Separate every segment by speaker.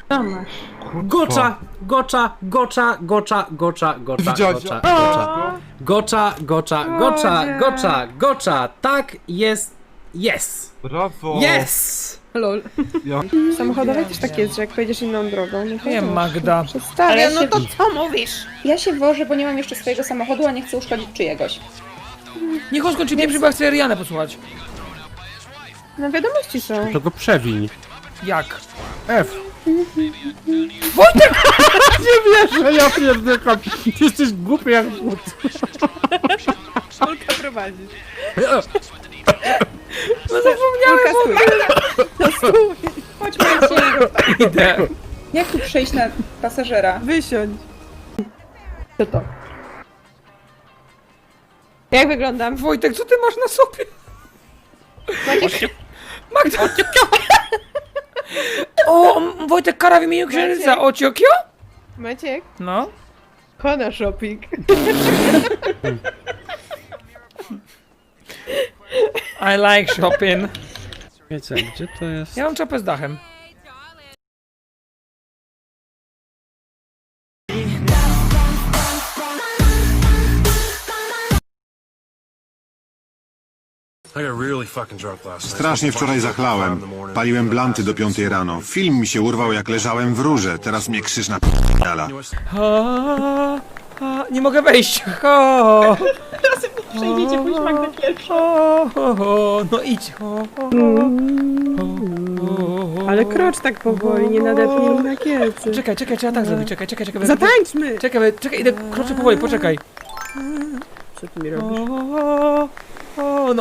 Speaker 1: To masz.
Speaker 2: Gocza, gocza, gocza, gocza, gocza, gocza,
Speaker 3: Widziałeś?
Speaker 2: gocza,
Speaker 3: O!
Speaker 2: gocza, gocza, gocza, gocza, gocza, tak jest, jest,
Speaker 3: Brawo!
Speaker 2: jest!
Speaker 1: Lol.
Speaker 3: Ja...
Speaker 1: Samochodowe też tak jest, że jak pojedziesz inną drogą, no to
Speaker 4: Nie,
Speaker 1: wiesz,
Speaker 4: Magda.
Speaker 1: przestawiasz
Speaker 5: Ale no
Speaker 1: się...
Speaker 5: to co mówisz?
Speaker 6: Ja się wożę, bo nie mam jeszcze swojego samochodu, a nie chcę uszkodzić czyjegoś.
Speaker 4: Niech on skończy pierwszy, bo ja chcę Rianę posłuchać.
Speaker 1: No wiadomości są.
Speaker 7: To go przewiń.
Speaker 4: Jak?
Speaker 7: F. Wojtek! Nie wierzę, ja pierdykam. Ty jesteś głupi jak but.
Speaker 1: Szulka prowadzisz.
Speaker 4: No zapomniałem!
Speaker 1: No stój,
Speaker 6: Chodź, Marcin.
Speaker 4: Idę.
Speaker 6: Jak tu przejść na pasażera?
Speaker 1: wysiądź. Co to? Jak wyglądam?
Speaker 4: Wojtek, co ty masz na sobie? Magda! O, Wojtek, kara w imieniu księżyca. Ociokio?
Speaker 1: Maciek?
Speaker 4: No.
Speaker 1: Kona shopping.
Speaker 4: I like shopping.
Speaker 7: Wiecie, gdzie to jest?
Speaker 4: Ja mam czapę z dachem.
Speaker 8: Strasznie wczoraj zachlałem. Paliłem blanty do 5 rano. Film mi się urwał jak leżałem w rurze. Teraz mnie krzyż na p***ala.
Speaker 4: Nie mogę wejść. O,
Speaker 6: Przejdziecie pójść Magdę pierwszą.
Speaker 4: no idź.
Speaker 1: Ale krocz tak powoli, nie nadepnij mi na kiecy.
Speaker 4: Czekaj, trzeba tak zrobić. Czekaj.
Speaker 1: Zatańczmy!
Speaker 4: Czekaj, idę, kroczę powoli, poczekaj.
Speaker 1: Co ty mi robisz?
Speaker 4: No.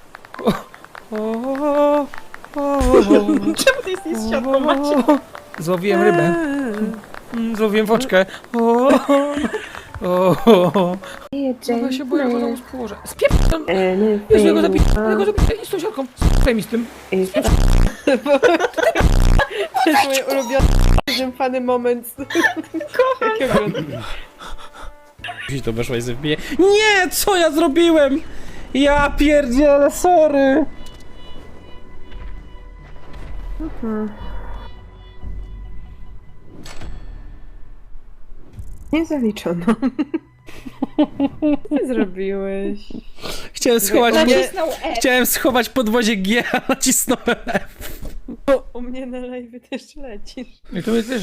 Speaker 6: Czemu ty jesteś z siatką, Maciek?
Speaker 4: Złowiłem rybę. Złowiłem woczkę. Ja się boję, że go zaraz położę. Spieprzam! Jezu, ja go zabiję, i z tą siatką. Spaj mi z tym.
Speaker 1: To jest mój ulubiony, fany moment. Jakiego
Speaker 7: Gdzieś to weszła i zabije. Nie, co ja zrobiłem? Ja pierdzielę, sorry.
Speaker 1: Nie zaliczono. Co zrobiłeś?
Speaker 7: Chciałem schować,
Speaker 6: Nacisnął F.
Speaker 7: chciałem schować podwozie G, a nacisnąłem F.
Speaker 1: U mnie na live też lecisz.
Speaker 4: I to jest też